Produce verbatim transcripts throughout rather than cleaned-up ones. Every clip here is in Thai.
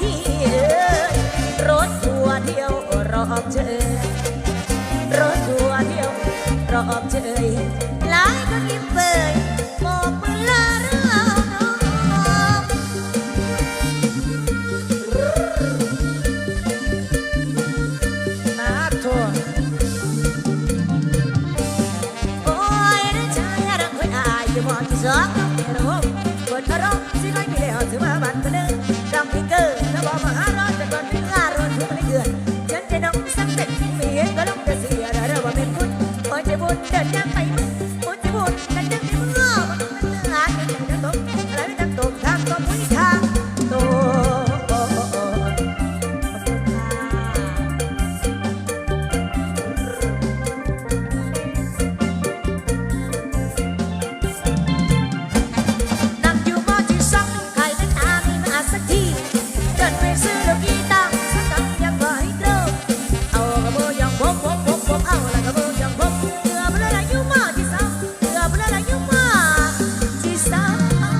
พี่รถทัวร์เที่ยวรอบเชยรถทัวร์เที่ยวรอบเชยหลายก็ยิ้มเปยบอกมือลาเรื่องน้องมาทัวร์โอ้ยนะชายรักไว้อายจะบอกที่สองน้องเอโร่บนอารมณ์สิน้อยมีแล้วถือว่าบันเทิงรำพิเกอร์ถ้าบอกมาหาร้อนจะก่อนถึงห้าร้อนถึงไม่เกินฉันจะน้องสักเป็นที่มีก็ต้องจะเสียได้เราว่าเป็นคุณโอ้ยจะบุญเดินยังไปมึงโอ้ยจะบุญกันจังที่มึงอ้อมันต้องเป็นหาเงินจะตกอะไรไม่ต้องตกทางก็มุ้ยทางโตโอ้โอ้โอ้นั่งอยู่มอที่สองใครเป็นอามีมาสักทีเดินไปซื้อลูกกีตาร์สักคำยังบ่ให้เลิกเอากระโบยังพบพบพบพบเอาละกระโบยังพบเกือบเลยละอยู่มอที่สองเกือบเลยละอยู่มอที่สอง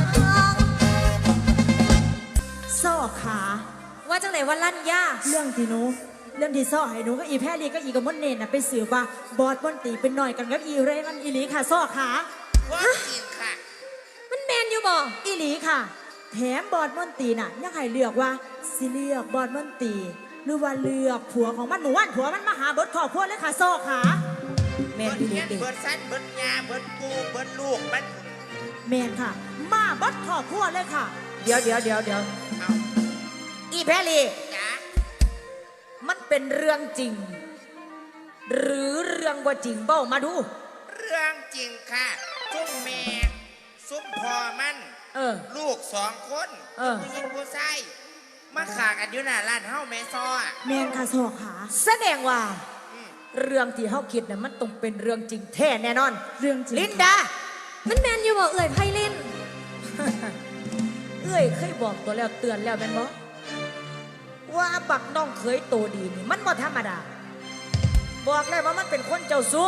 ซ่อขาว่าจังไหนว่าลั่นย่าเรื่องที่หนูเรื่องที่ซ่อให้หนูก็อีแพรลีก็อีกับมดเนนน่ะไปสืบว่าบอดบอนตีเป็นหน่อยกันกับอีเรมันอีหลีค่ะซ่อขาว่าจริงค่ะมันแมนอยู่บ่อีหลีค่ะแถมบอดมอนตีน่ะยังให้เลือกว่าสิเลือกบอดมอนตีหรือว่าเลือกผัวของมันหมู่บ้านผัวมันมาหาเบิดครอบครัวเลยค่ะซ่อขาแมเบินดอีหลีเงี้ยเด็เบิดสั้นเบิดยาเบิดกูเบิดลูกมันแมนค่ะ มาเบิดครอบครัวเลยค่ะ เดี๋ยวเดี๋ยวเดี๋ยวเดี๋ยวเอาอีแพรลีจ้ามันเป็นเรื่องจริง หรือเรื่องว่าจริงเบ้ามาดูเรื่องจริงค่ะซุ้มแม่ซุ้มพ่อมันเออลูกสองคนเออผู้หญิงผู้ชายมาขากันอยู่หน้าร้านเฮาแม่ซ้ออะแมนค่ะซ่อขาแสดงว่าอืมเรื่องที่เฮาคิดน่ะมันต้องเป็นเรื่องจริงแท้แน่นอน เรื่องจริงลินดามันแมนอยู่บอกเอ่ยไพลินเอ้ยเคยบอกตัวแล้วเตือนแล้วแม่นบ่ว่าบักน้องเคยโตดีนี่มันบ่ธรรมดาบอกเลยว่ามันเป็นคนเจ้าสู้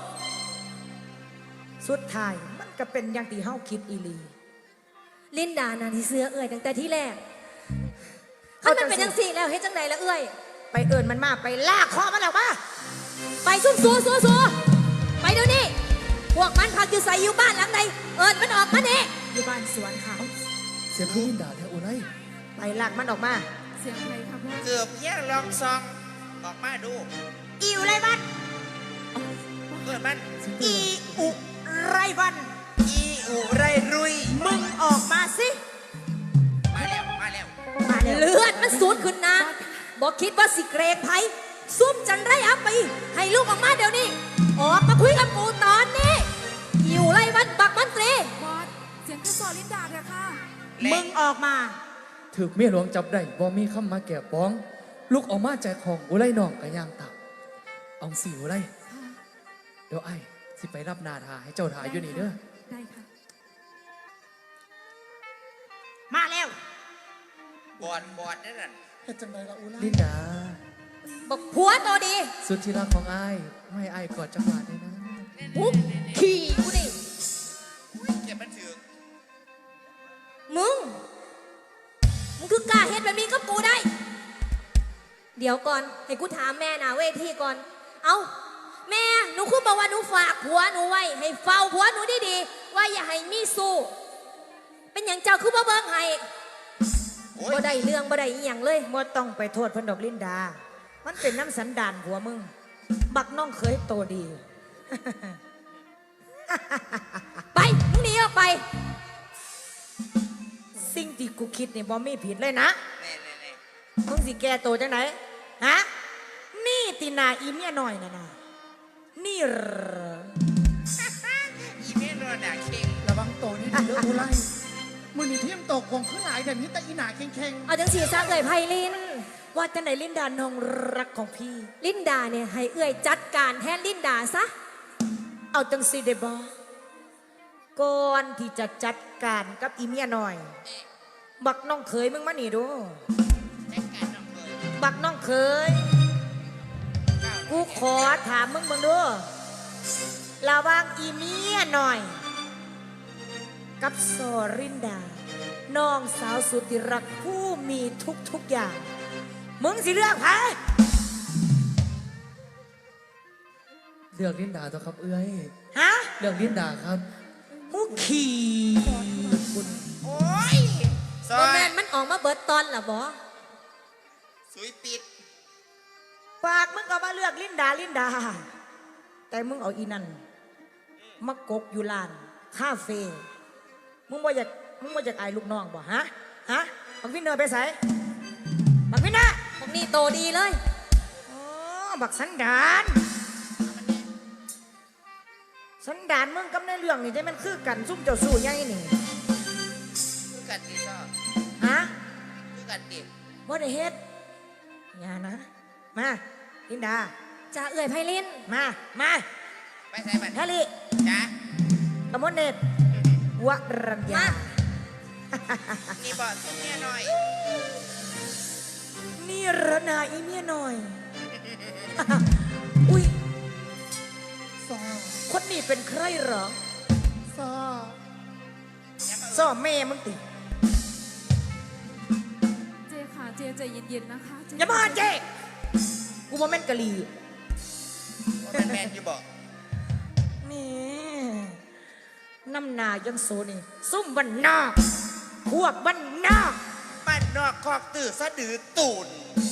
สุดท้ายมันก็เป็นอย่างที่เฮาคิดอีหลีลินดานาที่เสื้อเอ่ยตั้งแต่ที่แรกถ้ามันเป็นจังสี่แล้วเฮ็ดจังไหนละเอ่ยไปเอิญมันมาไปลากคอมันออกมาไปซุ่มซัวซัวซัวไปเดี๋ยวนี้พวกมันพักอยู่ใส่อยู่บ้านหลังใดเอิญมันออกมาเนี่ยอยู่บ้านสวนค่ะเสียงพี่ลินดาแท้โอ้ไรไปลากมันออกมาเสียงใครครับพ่อเกือบเพียงลองซองออกมาดูอีอุไรวันเกิดมันอีอุไรวันอีอุไรรุยมึงออกมาสิมาแล้วมาแล้วมาแล้วเลือดมันสูดขึ้นนะบอกคิดว่าสิเกรงไผซุ่มจันไรอัพไปให้ลูกออกมาเดี๋ยวนี้ออกมาคุยกับกูตอนนี้อยู่ไรวันบักมันตรีบอสเสียงจะสอนลินดาเถอะค่ะมึงออกมาถึกเมียหลวงจับได้บ่มีคำมาแก่ป้อง ลูกออกมาแจกของอุไรน้องกะย่างตับเอาสิอุไรเดี๋ยวไอ้สิไปรับนาทาให้เจ้าทาอยู่นี่เด้อได้ค่ะมาแล้วบอดบอดนั่นน่ะเฮ็ดจังไดล่ะอุไรลินดาบอกผัวตัวดีสุดที่รักของไอ้ไม่ไอ้กอดจังหวะได้นะปุ๊บขี่กูนี่เก็บมันถือมึง มึงคือกล้าเฮ็ดแบบนี้กับกูได้ เดี๋ยวก่อน ให้กูถามแม่นะเวทีก่อน เอาแม่ หนูคือบอกว่าหนูฝากผัวหนูไว้ ให้เฝ้าผัวหนูดีๆว่าอย่าให้มีสู้ เป็นอย่างเจ้าคือบ่เบิ่งให้โอ้บ่ยได้เรื่องบ่ได้อีหยังเลยบ่ต้องไปโทษเพิ่นดอกลินดา มันเป็นน้ำสันดานผัวมึง บักน้องเคยโตดีไป มึงหนีออกไปสิ่งที่กูคิดนี่บ่มีผิดเลยนะแน่แน่แน่มึงสิแก้โตจังไหนฮะ นี่ตินาอีเมียน้อยน่ะนะนี่เหรออีเมลโดนด่าเข่งระวังโตนี่ดีเด้ออุไรมือนี่เทียมตกวงขึ้นหลายแต่นี้แต่อีหนาเข่งเอาจังสีซะเอ่ยไพลินว่าจังไหนลินดาน้องรักของพี่ลินดาเนี่ยให้เอ่ยจัดการแทนลินดาซะเอาจังสิได้บ่ก่อนที่จะจัดการกับอีเมียน้อย บักน้องเคยมึงมานี่ดูจัดการน้องเลยบักน้องเคย กูขอถามมึงมึงดูระหว่างอีเมียหน่อย กับโซรินดาน้องสาวสุดที่รักผู้มีทุกทุกๆอย่าง มึงสิเลือกไผเลือกลินดาตัวครับเอ้ยฮะเลือกลินดาครับหูขี่คุณโอ้ยซอบ่ยแม่นมันออกมาเบิดตอนล่ะบ่สุยปิดปากมึงก็มาเลือกลินดาลินดา แต่มึงเอาอีนั่นมากกอยู่ลานคาเฟ่มึงว่าอยากมึงว่าอยากอายลูกน้องบ่ฮะฮะบักวินเนอร์ไปใส่บักวินเนอร์พวกนี้โตดีเลยอ๋อบักสันดานสันดานมึงกับในเรื่องนี่จะมันคือกันซุ่มเจ้าสู้ยังไงนี่คือกันดิซอฮะคือกันดิบ่ได้เฮ็ดอย่านะ มาลินดาจะเอื่อยไพลินมา มาไปใส่บัตรแฮร์รี่จ้ะกมลเนตรวรัญญามานี่บอกสุดเนี่ยหน่อยนี่ระนาอีเมียหน่อย อุ้ยซอคนนี้เป็นใครเหรอซอซ่อแม่มึงติเจค่ะ เจใจเย็นๆนะคะเจอย่ามาเจ๊กูว่าแม่นกะลีว่าแมนแมนอยู่บอกแม่น้ำหนายังโซนี่ซุ่มบันนอกพวกบันนอกบ้านนอกคอกตื่นสะดือตูน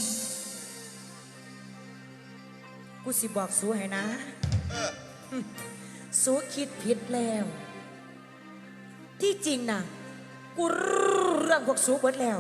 กูสิบอกสู้ให้นะเออสู้คิดผิดแล้ว ที่จริงนะกูรู้เรื่องพวกสู้เบิดแล้ว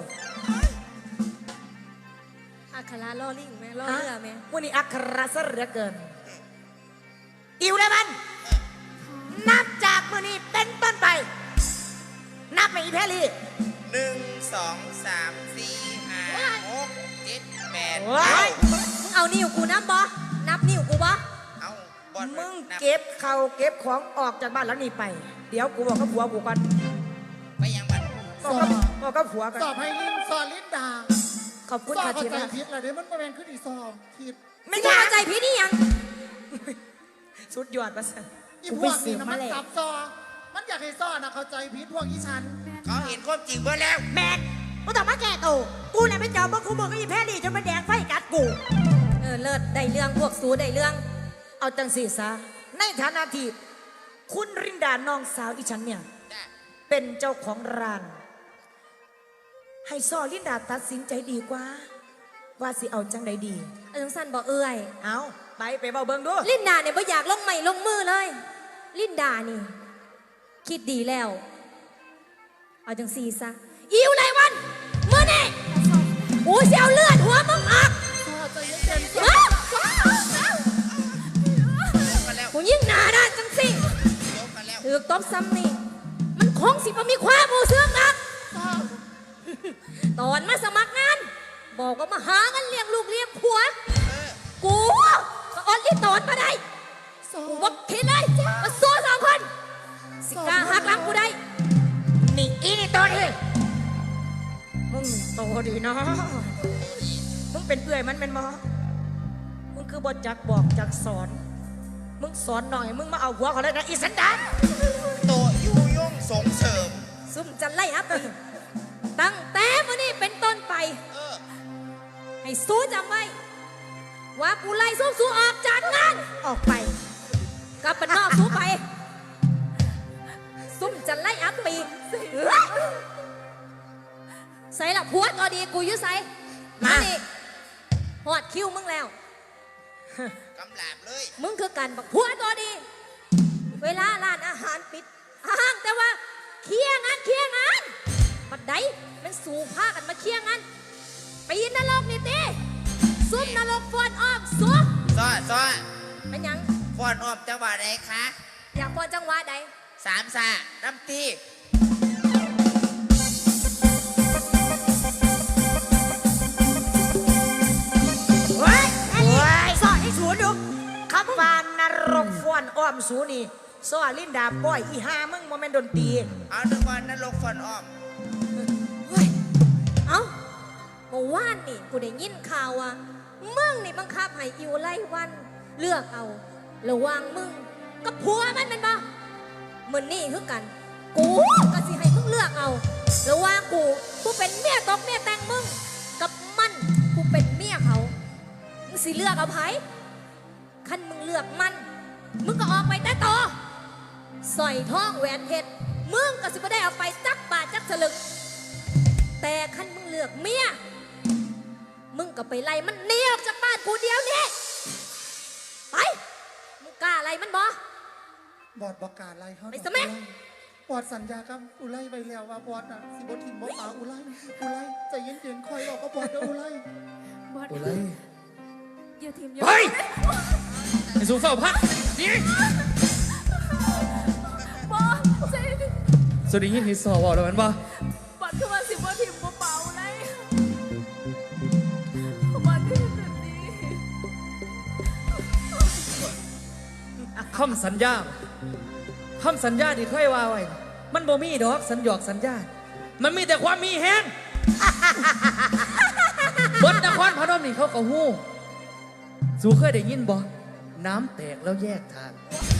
อัคราล่อลิงแม่ล่อเรือแม่วันนี้อัครซะเหลือเกิน อิวได้มัน นับจากมือนี้เป็นต้นไป นับไปอีแพรลี่หนึ่งสองสามสี่ห้าหกเจ็ดแปดโอ้ยเก้ามึงเอานิ้วกูนับบ่นับนิ้วกูบ่เอาบอลมึงนับเก็บเขาวเก็บของออกจากบ้านหลังนี้ไป เดี๋ยวกูบอกกับผัวกูก่อนไปยังบัตรบอกกับบอกกับผัวก่อนซอไพลินซอลินดาขอบคุณซอค่ะเข้าทีใจละผิดอะไรเด้มันประแมนขึ้นอีซอผิดไม่มึงใช่เข้าใจพี่นี่ยังสุดยอดประเสริฐอีกูพไปวกเสีนี้ยนะมามันแล้วสับซอ มันอยากให้ซอนะเข้าใจผิดพวกอีฉันเขาเห็นความจริงเบ่แล้วแมนมึงต้องมาแก้ตัวกูเนี่ยไปเจอมึงกูมึงก็อีแพรลี่จนมันแดงไฟกัดกูเออเลิศได้เรื่องพวกสูได้เรื่องเอาจังสีซะในฐานะที่คุณรินดาน้องสาวอีฉันเนี่ยจ้ะเป็นเจ้าของร้าน ให้ซอลินดาตัดสินใจดีกว่า ว่าสิเอาจังใดดีเออสั้นบอกเอื่อยเอาไปไปเบาเบิงดูลินดาเนี่ยไม่อยากลงใหม่ลงมือเลย ลินดานี่ คิดดีแล้ว เอาจังซีซะอิวไรวันเมื่อนี่กูเสียวเลือดหัวมึงออกซอใจเย็นๆซออ้าวจบกันแล้วกูยิ่งหนาด้านจังสิจบกันแล้วถือตบซ้ำนี่ มันคงสิบ่มีความมูเสื่องนักซอตอนมาสมัครงาน บอกว่ามาหาเงินเลี้ยงลูกเลี้ยงผัวเออกูก็อดลิตอนมาได้ซอกูบอกทีเลยมาสู้สองคน สิกล้าหักหลังกูได้นี่อีนี่โตดีมึงโตดีเนาะมึงเป็นเอื่อยมันเป็นมอมึงคือบทจักบอกจักสอน มึงสอนหน่อย มึงมาเอาหัวเขาเลยนะอีสันดานโตยู่ย่งส่งเสริมซุ่มจะไล่อัพอีกตั้งแต่วันนี้เป็นต้นไปเออให้สู้จำไว้ ว่ากูไล่สู้สู้ออกจากงานออกไปกลับบ้านนอกสู้ไป ซุ่มจะไล่อัพปีใส่ละผัวก็ดีกูอยุ่ใส่มานี่หอดคิวมึงแล้วกำลาบเลยมึงคือกันบักผัวตัวดี เวลาร้านอาหารปิดห้างแต่ว่าเคลียร์งานเคลียร์งานปัดใดมันสู่ผ้ากันมาเคลียร์งานปีนนรกนี่ตีซุ่มนรกฟอนอ้อมซุ่มซ้อซ้อเป็นหยังฟอนออมจังหวะไหนคะอยากฟอนจังหวะใดสามสาน้ำตีเฮ้ยสอนให้สูนดูคำว่านรกฟ้อนอ้อมสูนี่สอนลินดาป้อยอีหามึงโมเมนต์ดนตรีเอาหนึ่งวันนรกฟอนออมเฮ้ยเอ้าเมื่อวานนี่กูได้ยินข่าวว่ามึงนี่บังคับให้อิวไล่วัน เลือกเอาระหว่างมึงกับผัวมันเป็นบ่เหมือนนี่คือกัน กูก็สิให้มึงเลือกเอาแล้วว่ากูกูเป็นเมียตกเมียแต่งมึงกับมันกูเป็นเมียเขามึงสิเลือกเอาไผคันมึงเลือกมันมึงก็ออกไปแต่ต่อสร้อยทองแหวนเพชรมึงก็สิบ่ได้เอาไปจักบาทจักสลึงแต่คันมึงเลือกเมียมึงก็ไปไล่มันหนีออกจากบ้านกูเดียวนี้ไปมึงกล้าไล่มันบ่บอดบอกการไล่เขาไปซะแม่บอดสัญญากับอุไลไปแล้วว่าบอดน่ะสิบทิมบ่ป่าอุไลอุไลใจเย็นๆคอยบอกก็บอดเด้ออุไลบอสโอ้เลยอย่าทีมอย่าเฮ้ยไอ้สูเฝ้าพักนี่บอสใช่สวัสดียินดีสอบอกแล้วมันบ่บอสคือว่าสิบว่าทีมบ่เปล่าเลยบอสที่แบบนี้คำสัญญาคำสัญญาที่เคยว่าไว้มันบ่มีดอกสัญญอกสัญญา มันมีแต่ความมีแฮง เบิดนครพนมนี่เขาก็ฮู้สูเคยได้ยินบ่น้ำแตกแล้วแยกทาง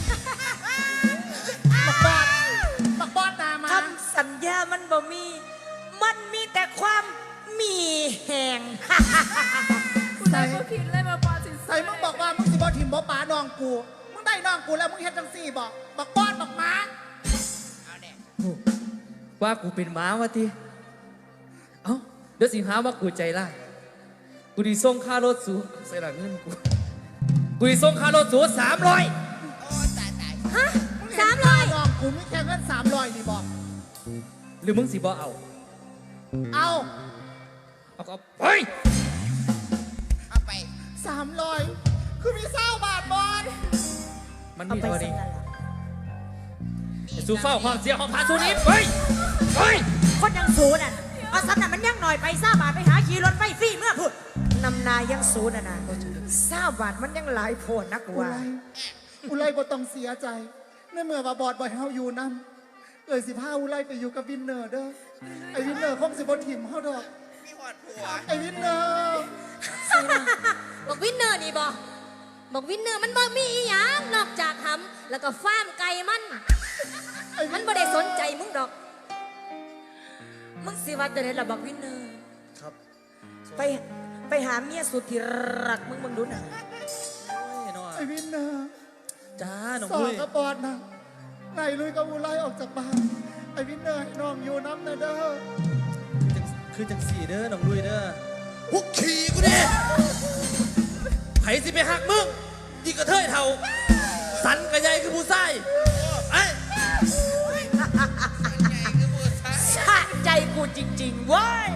บักบอดบักบอดนามาคำสัญญามันบ่มี มันมีแต่ความมีแหงคุณนายก็คิดเลยมาบอสสิใส่มึงบอกว่ามึงสิบทิมบ่ป่าน้องกูมึงได้น้องกูแล้วมึงเฮ็ดจังซี่บอกบักบอดบักหมาเอาเนี่ยว่ากูเป็นหมาวะทีเอ้าเดี๋ยวสิหาว่ากูใจร้ายกูดีส่งค่ารถสูใส่หลังเงินกูกูดีส่งค่ารถสูสามร้อยโอ้ตายตายฮะมึงเห็นสามร้อยน้องกูมีแค่เงินสามร้อยนี่บอกหรือมึงสิบ่เอาเอาเอาก็เฮ้ยเอาไปสามร้อยคือมีเศร้าบาทบอดมันเอามีไปเท่าใส่นี้นั่นล่ะไอ้สูเฝ้าความเสียของพาสูนี้เฮ้ยเฮ้ยคนยังสูน่ะเอาสำนักมันยังหน่อยไปซ่าบาทไปหาขี่รถไฟฟรีเมื่อพูดนำนายังสูน่ะนะซ่าบาทมันยังหลายโพดนักอุว่าไรอุไรบ่ต้องเสียใจในเมื่อว่าบอดบ่ให้เฮาอยู่นั่นเอ่ยสิพาอุไรไปอยู่กับวินเนอร์เด้อไอ้วินเนอร์คงสิบ่ถิ่มเฮาดอกมีหอดผัวไอ้วินเนอร์บอกวินเนอร์นี่บอกบอกวินเนอร์มันบ่มีอีหยังนอกจากหำแล้วก็ฟ้าร์มไก่มันไอ้วิมันนบ่ได้สนใจมึงดอกมึงสิว่าจะได้ระบักวินเนอร์ครับไปไปหาเมียสุดที่รักมึงมึงดูหน่ะโอ้ยน้องไอ้วินเนอร์จ้าน้องสอลุนยกับบอดนะไงลุยกับอุไรออกจากบ้านไอ้วินเนอร์ให้น้องอยู่น้ำนะเด้อคือจังสี่เด้อน้องลุยเด้อหุกขี่กูดิไผสิไปหักมึงยิ่งกระเทยเท่า สันกระใหญ่คือผู้ชายไอ้ใหญ่คือผู้ชายสะใจกูจริงๆเว้ย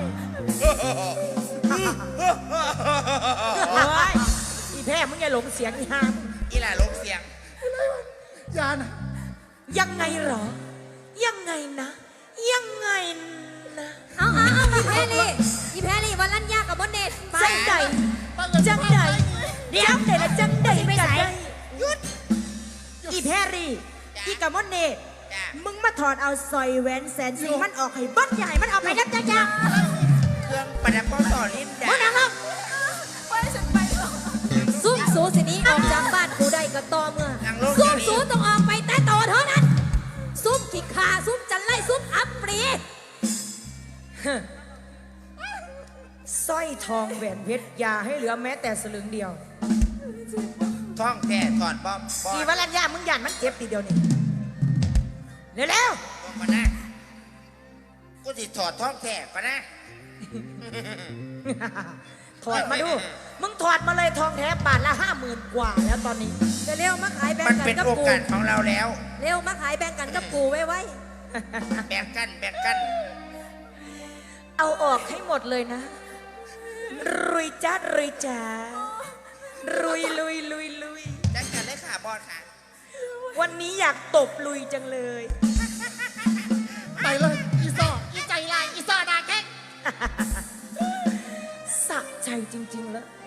โอ้ยอีแพ้มึงอย่าหลงเสียงอีหามอีหล่าลงเสียงยานะยังไงเหรอ ยังไงนะ ยังไงนะเอาเอาเอาอีแพรลี่อีแพรลี่วันลันยากับบนเนตไปจังใดจังใดเดี๋ยวเดี๋ยวละจังใดกันได้หยุดอีแพรรี่อีกะมอนเน่จ้ะมึงมาถอดเอาสร้อยแหวนแสนสีมันออกให้เบัดใหญ่มันออกไปยับจ้าจ้าเครื่องประดับป้องต่อลิ้นจ้ะมึงนั่งลงไปฉันไปแล้วซุ่มสูสิหนี้ออกจากบ้านกูได้ก็ต่อเมื่อนั่งลงซุ่เดี๋ยวนี้มสูต้องออกไปแต่ต่อเท่านั้น ซุ่มขี้ขาซุ่มจันไล่ซุ่มอัปปรีสร้อยทองแหวนเพชรอย่าให้เหลือแม้แต่สลึงเดียวท้องแท้ถอดบอมบออีมวรัญญามึงหยันมันเจ็บทีเดียวนี่เร็วลงมานะกูสิถอดท้องแท้ก่อนนะๆ ถอดมาดู มึงถอดมาเลยทองแท้บาทละห้าหมื่นกว่าแล้วตอนนี้เร็วๆมาขายแบ่งมันกัเป็น นกับโอกูกาสของเราแล้วเร็วมาขายแบ่งกันกับกูไว้ไว้แบ่งกันแบ่งกันเอาออกให้หมดเลยนะ รุยจ้ารุยจ้ารุยลุยลุยลุยจัดกันเลยค่ะบอสค่ะวันนี้อยากตบลุยจังเลยไปเลยอีซออีใจลายอีซอดาแค่สะใจจริงๆเลย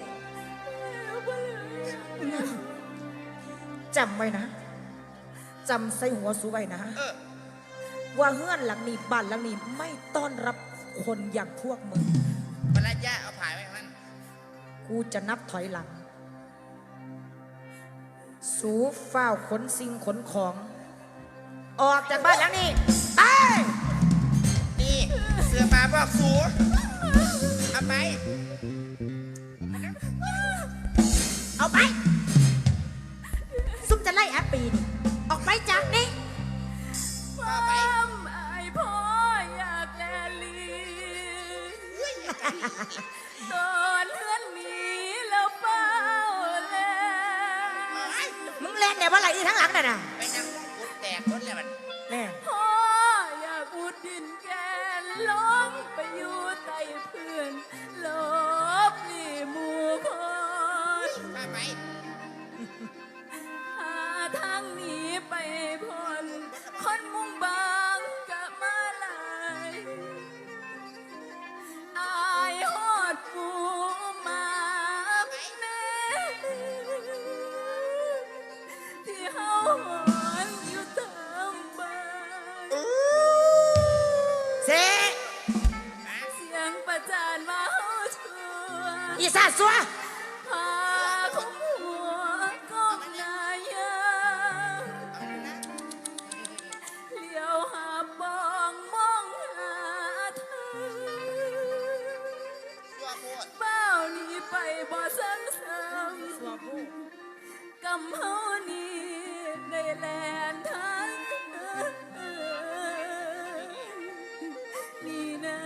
จำไว้นะจำใส่หัวสูไว้นะเออว่าเฮือนหลังนี้บ้านหลังนี้ไม่ต้อนรับคนอย่างพวกมึงปรัญญาเอาผ่ายไว้มันกูจะนับถอยหลัง สูฝ้าวขนสิ่งขนของ ออกจากบ้านหลังนี้ไปนี่สือปลาบอกสูเอาไปเอาไป ซุ่มจะไล่แอปปีนี่ออกไปจากนี้ความอายพ่ออยากแลลีตอนเลื่อนหนีแล้วเป้าแลมึงเล่นเนี่ยว่าอะไรที่ทั้งหลังน่ะนะไปนั่งมองกุดแตกรถเลยมันแน่พ่ออยากอุดดินแกนลงไปอยู่ใต้เพื่อนลบหลีหมู่คนมาไปหาทางหนีไปพ้นคนมุ่งบางกะมาลายอายฮอดปูมาแน่ที่เฮาหอนอยู่ตามบ้านเซเสียงประจานมาเฮาชัวอีสาสัวพาคุ้มหัวก้มหน้ายามเลี้ยวหาบองมองหาเธอตัวโคตรเบ้านี้ไปบ่ซ้ำซ้ำกำเฮานี้ได้แลนทางนี่นะ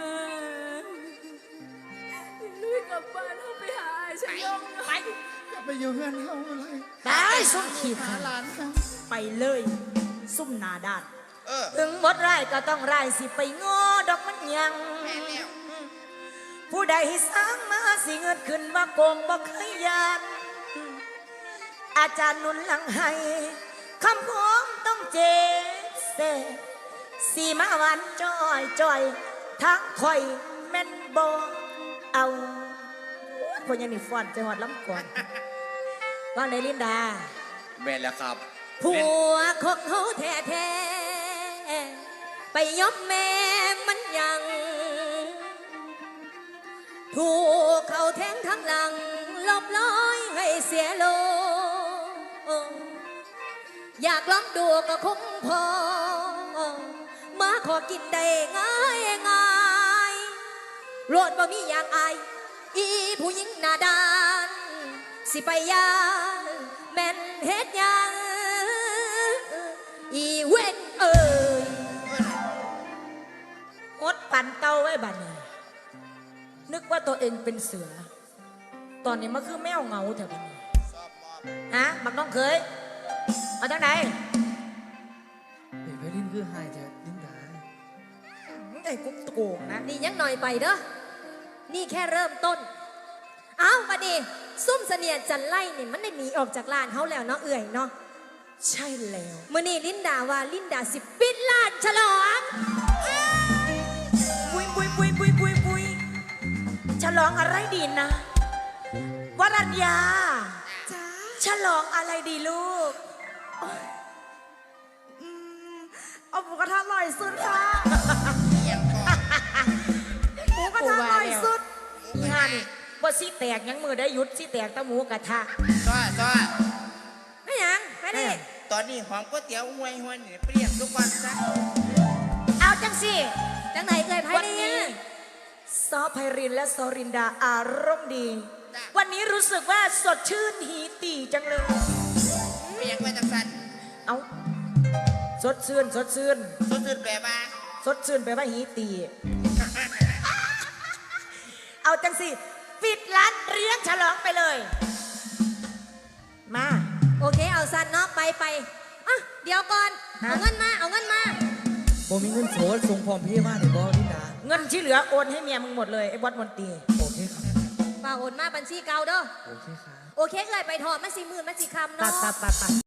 ลุยกลับบ้านเฮาไปหาชะยงไปจะไปอยู่เฮือนเฮาอุไรตายซุ่มขีดหาหลานเขาไปเลย ซุ่มหนาด้านเออถึงหมดไร่ก็ต้องไร่สิไปงอดอกมันยังแม่แล้วผู้ใดสร้างมาสิเงินขึ้นว่าโกงบ่เคยยานอาจารย์หนุนหลังให้คำพ้องต้องเจเซสีมาหวานจอยจอยทั้งคอยแม่นบ่เอาพยังนี่ฟอนใจหอดล้ำก่อนว่าในลินดาแม่นแล้วครับผัวของเขาแท้ๆไปยอมแม่มันยัง ถูกเขาแทงทั้งหลังลบล้อยให้เสียโลอยากลองดูก็คงพอ มาขอกินได้ง่ายง่ายโรดบ่มีอย่างอายอีผู้หญิงหน้าด้าน สิไปยานแม่นเฮ็ดหยังอีเว้นเอ่ยอดปั่นเต้าไว้บัดนี้นึกว่าตัวเองเป็นเสือ ตอนนี้มันคือแมวเหงาแถวนี้สอบมอบฮะบักน้องเคยเอาจากไหนเฮ้ยไพลินคือหายแท้ลินดามึงไอ้กุ๊กโกงนะนี่ยังหน่อยไปเด้อ นี่แค่เริ่มต้น เอาบัดนี้ซุ่มเสนียดจันไล่นี่มันได้หนีออกจากร้านเขาแล้วเนาะเอื่อยเนาะใช่แล้วมื่อนี้ลินดาว่าลินดาสิปิดร้านฉลองปุยปุยปุยปุยปุยปุยฉลองอะไรดีนะวรัญญาจ้าฉลองอะไรดีลูกอืมเอาหมูกระทะอร่อยสุดค่ะเอียงก่อนหมูกระทะอร่อยสุดนี่ฮะนี่บ่ซี่แตกยังมือได้หยุดซี่แตกแตะหมูกระทะซ้อซ้อไม่หยังไม่นี่ตอนนี้หอมก๋วยเตี๋ยวห่วยห่วยนี่เปรี้ยงทุกวันซะเอาจังสิจังไหนเอ่ยไพ่วันนี่นี้ซอไพรินและซอรินดาอารมณ์ดี วันนี้รู้สึกว่าสดชื่นหีตีจังเลยเปรี้ยงไว้จังสันเอาสดชื่นสดชื่นสุดๆแบบว่าสดชื่นไปลว่าหีตี เอาจังสิปิดร้านเลี้ยงฉลองไปเลย มาโอเคเอาสันเนาะไปไปอ่ะเดี๋ยวก่อนฮะเอาเงินมาเอาเงินมาบ่มีเงินโสดส่งพร้อมเพย์มาได้บ่ลินดาเงินที่เหลือโอนให้เมียมึงหมดเลยไอ้บอสมนตรีโอเคครับฝากโอนมาบัญชีเก่าเด้อโอเคครับโอเคเอ่ยไปถอดมันสี่หมื่นมันสี่คำตัดเนาะตัดตัดตัด